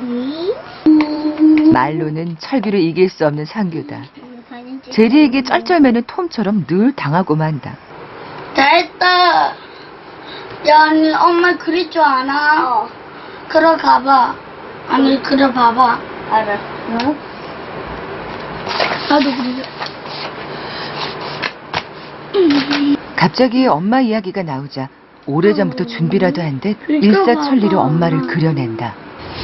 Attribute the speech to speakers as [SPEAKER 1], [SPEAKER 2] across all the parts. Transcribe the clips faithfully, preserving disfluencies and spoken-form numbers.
[SPEAKER 1] 말로는 철규를 이길 수 없는 상규다. 제리에게 쩔쩔매는 톰처럼 늘 당하고 만다.
[SPEAKER 2] 됐다. 야, 아니, 엄마 그릴 줄 아나? 어. 그러 가봐. 아니, 그려 봐봐.
[SPEAKER 3] 알아. 응?
[SPEAKER 2] 나도 그려.
[SPEAKER 1] 갑자기 엄마 이야기가 나오자 오래전부터 준비라도 한 듯 일사천리로 엄마를 그려낸다.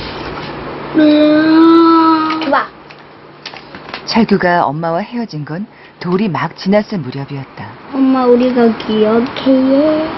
[SPEAKER 3] 봐.
[SPEAKER 1] 철규가 엄마와 헤어진 건 돌이 막 지났을 무렵이었다.
[SPEAKER 3] 엄마 우리가 기억해.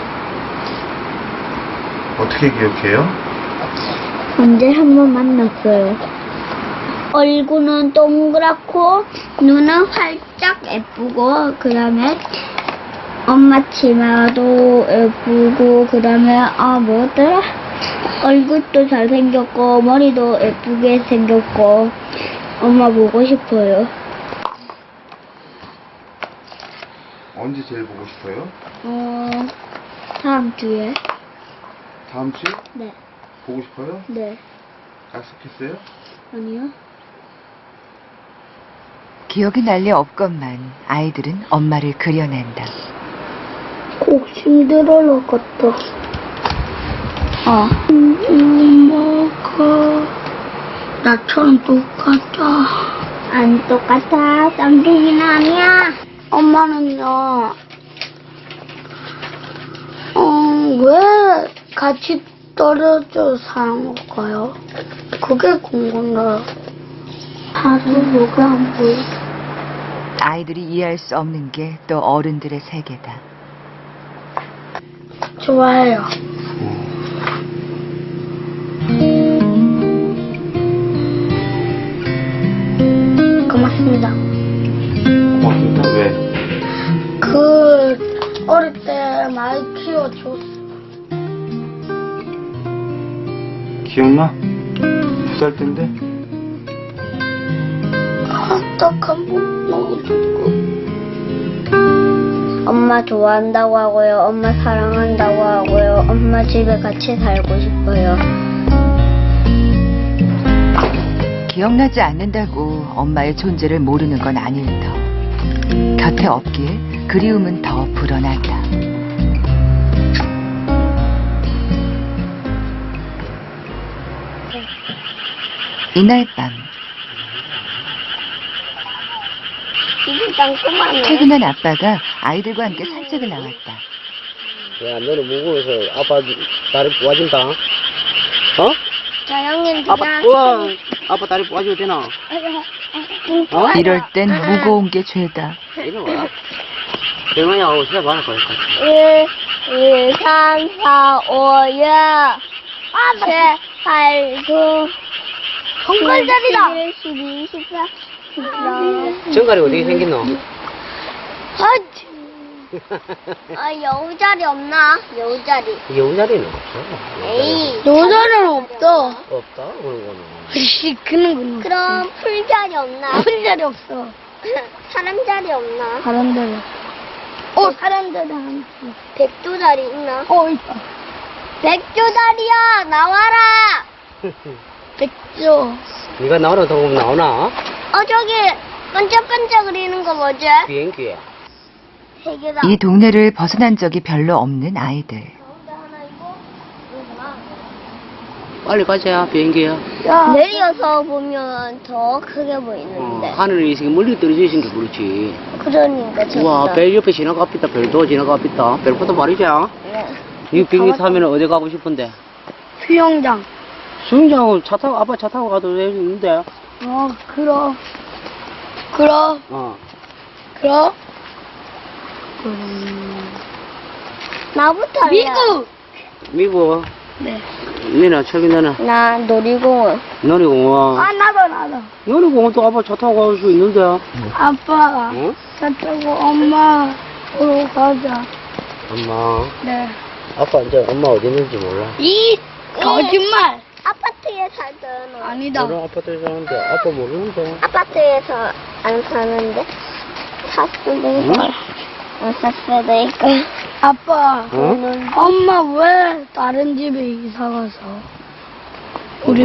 [SPEAKER 4] 어떻게 기억해요?
[SPEAKER 3] 언제 한 번 만났어요. 얼굴은 동그랗고 눈은 활짝 예쁘고 그 다음에 엄마 치마도 예쁘고 그 다음에 아 뭐더라? 얼굴도 잘생겼고 머리도 예쁘게 생겼고 엄마 보고 싶어요.
[SPEAKER 4] 언제 제일 보고 싶어요?
[SPEAKER 3] 어 다음 주에.
[SPEAKER 4] 다음 주에?
[SPEAKER 3] 네.
[SPEAKER 4] 보고 싶어요?
[SPEAKER 3] 네.
[SPEAKER 4] 약속했어요?
[SPEAKER 3] 아니요.
[SPEAKER 1] 기억이 날 리 없건만 아이들은 엄마를 그려낸다.
[SPEAKER 3] 꼭 힘들어 같다.
[SPEAKER 2] 어. 엄마가 나처럼 똑같아.
[SPEAKER 3] 안 똑같아. 쌍둥이는 아니야.
[SPEAKER 2] 엄마는요, 어, 왜 같이 떨어져 사는 걸까요? 그게 궁금해요. 다른 뭐가 안 보여?
[SPEAKER 1] 아이들이 이해할 수 없는 게 또 어른들의 세계다.
[SPEAKER 2] 좋아해요. 고맙습니다.
[SPEAKER 4] 고맙습니다. 왜?
[SPEAKER 2] 그, 어릴 때 많이 키워줬어.
[SPEAKER 4] 기억나? 두 살 때인데?
[SPEAKER 2] 딱한 번 너무 좋고.
[SPEAKER 3] 엄마 좋아한다고 하고요. 엄마 사랑한다고 하고요. 엄마 집에 같이 살고 싶어요.
[SPEAKER 1] 기억나지 않는다고 엄마의 존재를 모르는 건 아닐 터. 곁에 없기에 그리움은 더 불어난다. 이날 밤 퇴근한 아빠가 아이들과 함께 산책을 나왔다.
[SPEAKER 5] 야, 너는 무거워서 아빠 다리 뽑아준다. 어?
[SPEAKER 3] 자, 형님
[SPEAKER 5] 아빠, 우와, 아빠 다리 뽑아줘도 되나? 어?
[SPEAKER 1] 이럴 땐 무거운 게 죄다.
[SPEAKER 5] 이리 와. 대만이하고 시작 많을 거야.
[SPEAKER 3] 일, 이, 삼, 사, 오, 육, 칠, 팔, 구,
[SPEAKER 2] 정갈자리다.
[SPEAKER 3] 일, 십이, 십사, 십삼.
[SPEAKER 5] 정갈이 어떻게 생겼노?
[SPEAKER 3] 아, 여우자리 없나? 여우자리.
[SPEAKER 5] 여우자리는 없어.
[SPEAKER 3] 에이.
[SPEAKER 2] 여자는 없어.
[SPEAKER 5] 없다, 그런 거는.
[SPEAKER 2] 씨, 그는 건
[SPEAKER 3] 그럼 풀자리 없나?
[SPEAKER 2] 풀자리 없어.
[SPEAKER 3] 사람자리 없나?
[SPEAKER 2] 사람들. 어, 사람들 한.
[SPEAKER 3] 백조자리 있나?
[SPEAKER 2] 어, 있다.
[SPEAKER 3] 백조자리야, 나와라!
[SPEAKER 2] 백조.
[SPEAKER 5] 네가 나오라 더 보면 나오나?
[SPEAKER 3] 어, 저기, 반짝반짝 그리는 거 뭐지?
[SPEAKER 5] 비행기야.
[SPEAKER 3] 세 개다.
[SPEAKER 1] 이 동네를 벗어난 적이 별로 없는 아이들.
[SPEAKER 5] 빨리 가자, 비행기야.
[SPEAKER 2] 야.
[SPEAKER 3] 내려서 보면 더 크게
[SPEAKER 5] 어,
[SPEAKER 3] 보이는데.
[SPEAKER 5] 하늘이 지금 멀리 떨어져 있으니까 그렇지.
[SPEAKER 3] 그러니까 진짜.
[SPEAKER 5] 우와, 별 옆에 지나가 있다, 별도 지나가 있다. 별보다 말이자.
[SPEAKER 3] 네.
[SPEAKER 5] 이 비행기 타면 어디 가고 싶은데?
[SPEAKER 2] 수영장.
[SPEAKER 5] 수영장 차 타고, 아빠 차 타고 가도 되는데.
[SPEAKER 2] 어, 그럼. 그럼.
[SPEAKER 5] 어.
[SPEAKER 2] 그럼.
[SPEAKER 3] 나부터 할래.
[SPEAKER 2] 미국.
[SPEAKER 5] 미국.
[SPEAKER 2] 네.
[SPEAKER 5] 니나, 저기 너는
[SPEAKER 3] 나 놀이공원.
[SPEAKER 5] 놀이공원.
[SPEAKER 2] 아, 나도, 나도.
[SPEAKER 5] 놀이공원도 아빠 차 타고 갈 수 있는데.
[SPEAKER 2] 아빠.
[SPEAKER 5] 어?
[SPEAKER 2] 차 타고 엄마 보러 가자.
[SPEAKER 5] 엄마.
[SPEAKER 2] 네.
[SPEAKER 5] 아빠 이제 엄마 어디 있는지 몰라.
[SPEAKER 2] 이 거짓말.
[SPEAKER 3] 아파트에 살던.
[SPEAKER 2] 아니다.
[SPEAKER 5] 너는 아파트에 사는데 아빠 모르는데.
[SPEAKER 3] 아파트에서 안 사는데. 샀을 때
[SPEAKER 5] 응?
[SPEAKER 3] 안 샀을 때 있고.
[SPEAKER 2] 아빠.
[SPEAKER 5] 어?
[SPEAKER 2] 엄마 왜 다른 집에 이사 가서?